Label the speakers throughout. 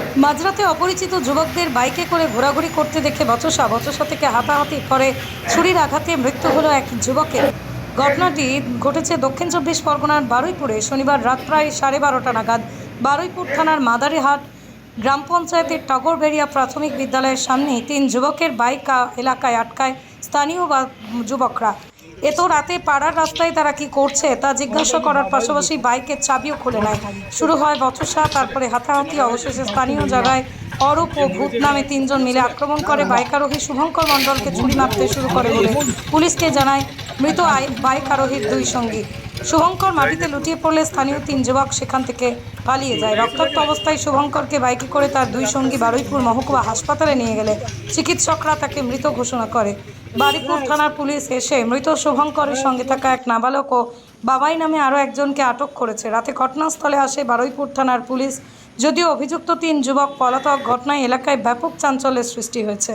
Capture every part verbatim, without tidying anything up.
Speaker 1: মাঝরাতে অপরিচিত যুবকদের বাইকে করে ঘোরাঘুরি করতে দেখে বচসা বচসা থেকে হাতাহাতি করে ছুরির আঘাতে মৃত্যু হলো এক যুবকের। ঘটনাটি ঘটেছে দক্ষিণ চব্বিশ পরগনার বারুইপুরে শনিবার রাত প্রায় সাড়ে বারোটা নাগাদ। বারুইপুর থানার মাদারিহাট গ্রাম পঞ্চায়েতের টগরবেড়িয়া প্রাথমিক বিদ্যালয়ের সামনে তিন যুবকের বাইক এলাকায় আটকায় স্থানীয় যুবকরা। এত রাতে পাড়ার রাস্তায় তারা কি করছে তা জিজ্ঞাসা করার পাশাপাশি বাইকের চাবিও খুলে নেয়। শুরু হয় বচসা, তারপরে হাতাহাতি। অবশেষে স্থানীয় জায়গায় অরূপ ও ভূত নামে তিনজন মিলে আক্রমণ করে বাইক আরোহী শুভঙ্কর মণ্ডলকে ছুরি মারতে শুরু করে বলে পুলিশকে জানায় মৃত বাইক আরোহীর দুই সঙ্গী। শুভঙ্কর মাটিতে লুটিয়ে পড়লে স্থানীয় তিন যুবক সেখান থেকে পালিয়ে যায়। রক্তাক্ত অবস্থায় শুভঙ্করকে বাইকে করে তার দুই সঙ্গী বারুইপুর মহকুমা হাসপাতালে নিয়ে গেলে চিকিৎসকরা তাকে মৃত ঘোষণা করে। বারুইপুর থানার পুলিশ এসে মৃত শুভঙ্করের সঙ্গে থাকা এক নাবালক ও বাবাই নামে আরও একজনকে আটক করেছে। রাতে ঘটনাস্থলে আসে বারুইপুর থানার পুলিশ। যদিও অভিযুক্ত তিন যুবক পলাতক, ঘটনায় এলাকায় ব্যাপক চাঞ্চল্যের সৃষ্টি হয়েছে।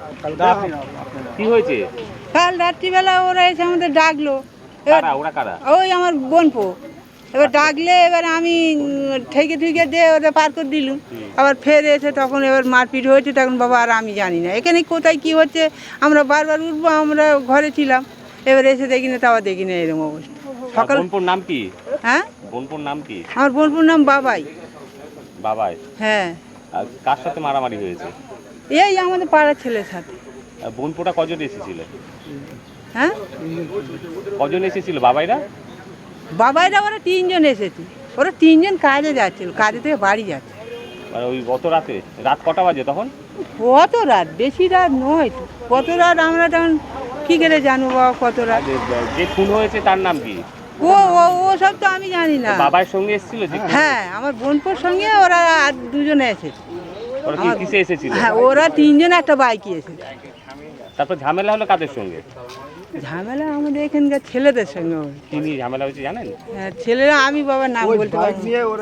Speaker 2: কি হয়েছে?
Speaker 3: কাল রাত্রিবেলা ওরা এসে আমাদের ডাকলো।
Speaker 2: কারা ওরা কারা?
Speaker 3: ওই আমার বোনপো। এবার ডাকলে এবার আমি ঠেকে ঠেকে দিয়ে ওদের পার করে দিলুম। আবার ফের এসে তখন এবার মারপিট হয়েছে। তখন বাবা আর আমি জানি না এখানে কোথায় কি হচ্ছে। আমরা বারবার উঠবো, আমরা ঘরে ছিলাম। এবার এসে দেখি না, তাও দেখি না এরকম অবস্থা। সকাল
Speaker 2: বোনপুর নাম কি?
Speaker 3: হ্যাঁ,
Speaker 2: বোনপুর নাম কি?
Speaker 3: আমার বোনপুর নাম বাবাই।
Speaker 2: বাবাই?
Speaker 3: হ্যাঁ।
Speaker 2: আর কার সাথে মারামারি হয়েছে?
Speaker 3: এই আমাদের পাড়ার ছেলের সাথে।
Speaker 2: বোনপুরটা কজন এসেছিল?
Speaker 3: হ্যাঁ,
Speaker 2: কজন এসেছিল বাবাইরা?
Speaker 3: বাবাইরা ওরা তিনজন এসেছে। ওরা তিনজন কাজে যাচ্ছিল, কাজে থেকে বাড়ি যাচ্ছে।
Speaker 2: আর ওই গত রাতে রাত কটা বাজে তখন?
Speaker 3: কত রাত? বেশি রাত নয় তো। কত রাত আমরা তখন কী করে জানবো বাবা কত রাত?
Speaker 2: যে খুন হয়েছে তার নাম কি?
Speaker 3: ও ও ও সব তো আমি জানি না।
Speaker 2: বাবার সঙ্গে এসেছিল?
Speaker 3: হ্যাঁ, আমার বোনপোর সঙ্গে ওরা আর দুজনে এসেছে।
Speaker 2: ওরা কি কিসে এসেছিল?
Speaker 3: হ্যাঁ, ওরা তিনজন একটা বাইকে এসেছে।
Speaker 2: তারপর ঝামেলা হলো কাদের সঙ্গে?
Speaker 3: ঝামেলা আমাদের এখানকার ছেলেদের সঙ্গে।
Speaker 2: কি নিয়ে ঝামেলা হয়েছে জানেন?
Speaker 3: হ্যাঁ, ছেলেরা আমি বাবার নাম বলতে পারি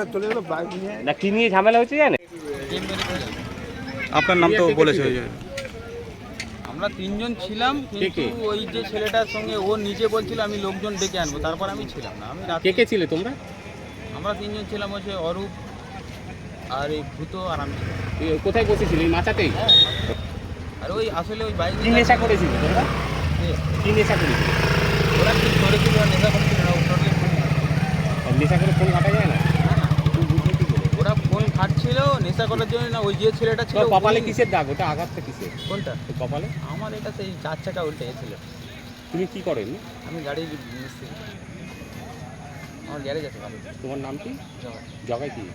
Speaker 2: না। কি নিয়ে ঝামেলা হয়েছে জানেন?
Speaker 4: আপনার নাম তো বলেছে।
Speaker 5: আমরা তিনজন ছিলাম, কিন্তু ওই যে ছেলেটার সঙ্গে ও নিজে বলছিল আমি লোকজন ডেকে আনবো, তারপর আমি ছিলাম না। আমি
Speaker 2: কে কে ছিলে তোমরা?
Speaker 5: আমরা তিনজন ছিলাম, হচ্ছে অরূপ আর এই ভূত আর আমি।
Speaker 2: কোথায় বসেছিলে? এই মাচাতেই?
Speaker 5: আর ওই আসলে ওই বাইক
Speaker 2: কি নেশা করেছিল তোমরা? কি নেশা করেছিল?
Speaker 5: ওরা কি করেছিল? নেশা করছিল না।
Speaker 2: নেশা করে ফোন ঘাটা যায় না?
Speaker 5: ওরা ফোন খাটছিল নেশা করার জন্য না। ওই যে ছেলেটা ছিল
Speaker 2: কপালে কিসের দাগ? ওটা আঘাতটা কিসের?
Speaker 5: কোনটা?
Speaker 2: কপালে?
Speaker 5: আমার এটা সেই চার চাকা উল্টে গেছিল।
Speaker 2: তুমি কি করেন?
Speaker 5: আমি গাড়ি মিস্ত্রি, আমার গ্যারেজ আছে।
Speaker 2: তোমার নাম কি? জগাই কি?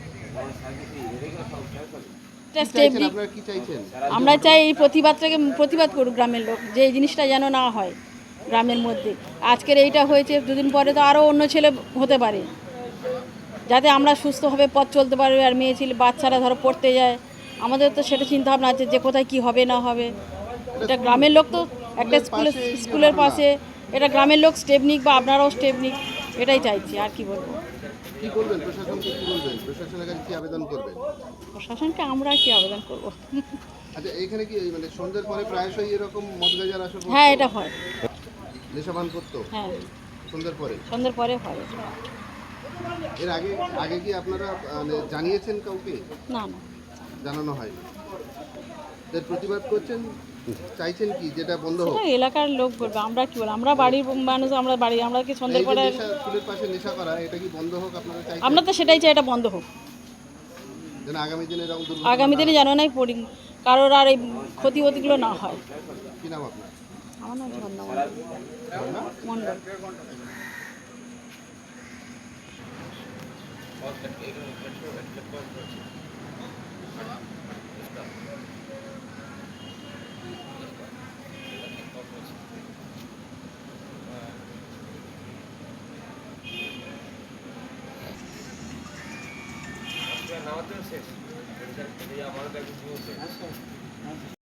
Speaker 6: আমরা চাই এই প্রতিবাদটাকে প্রতিবাদ করুক গ্রামের লোক, যে এই জিনিসটা যেন না হয় গ্রামের মধ্যে। আজকের এইটা হয়েছে, দুদিন পরে তো আরও অন্য ছেলে হতে পারে, যাতে আমরা সুস্থভাবে পথ চলতে পারবে। আর মেয়ে ছেলে বাচ্চারা ধরো পড়তে যায়, আমাদের তো সেটা চিন্তা ভাবনা আছে যে কোথায় কি হবে না হবে। এটা গ্রামের লোক তো একটা স্কুলের স্কুলের পাশে, এটা গ্রামের লোক স্টেপ নিক বা আপনারাও স্টেপ নিক, এটাই চাইছি। আর কি বলবো?
Speaker 7: কি বলবেন প্রশাসনকে? কি বলবেন প্রশাসনের কাছে? কি আবেদন করবেন
Speaker 6: প্রশাসনকে আমরা কি আবেদন করব?
Speaker 7: আচ্ছা, এখানে কি মানে সন্ধ্যের পরে প্রায়শই এরকম মদ গাঁজার আসর?
Speaker 6: হ্যাঁ, এটা হয়।
Speaker 7: নেশাপান করতো?
Speaker 6: হ্যাঁ,
Speaker 7: সন্ধ্যের পরে?
Speaker 6: সন্ধ্যের পরে হয়।
Speaker 7: এর আগে আগে কি আপনারা মানে জানিয়েছেন কাউকে?
Speaker 6: না না,
Speaker 7: জানানো হয়। এর প্রতিবাদ করছেন, চাইছেন কি যেটা বন্ধ হোক?
Speaker 6: সেটা এলাকার লোক বলবে, আমরা কি বলবো? আমরা বাড়ির মানুষ, আমরা বাড়ি, আমরা কি সন্ধ্যের পরে?
Speaker 7: স্কুলের পাশে নেশা করা, এটা কি বন্ধ হোক আপনারা চাইছেন?
Speaker 6: আমরা তো সেটাই চাই, এটা বন্ধ হোক।
Speaker 7: যেন আগামী দিনে এরকম দুর্ঘটনা
Speaker 6: আগামী দিনে যেন নাই পড়ি, কারোর আর এই ক্ষতি ক্ষতিগুলো না হয়।
Speaker 7: কি নাম আপনার?
Speaker 6: আমার নাম ঝর্ণা মণ্ডল।
Speaker 8: নামাতে শেষ।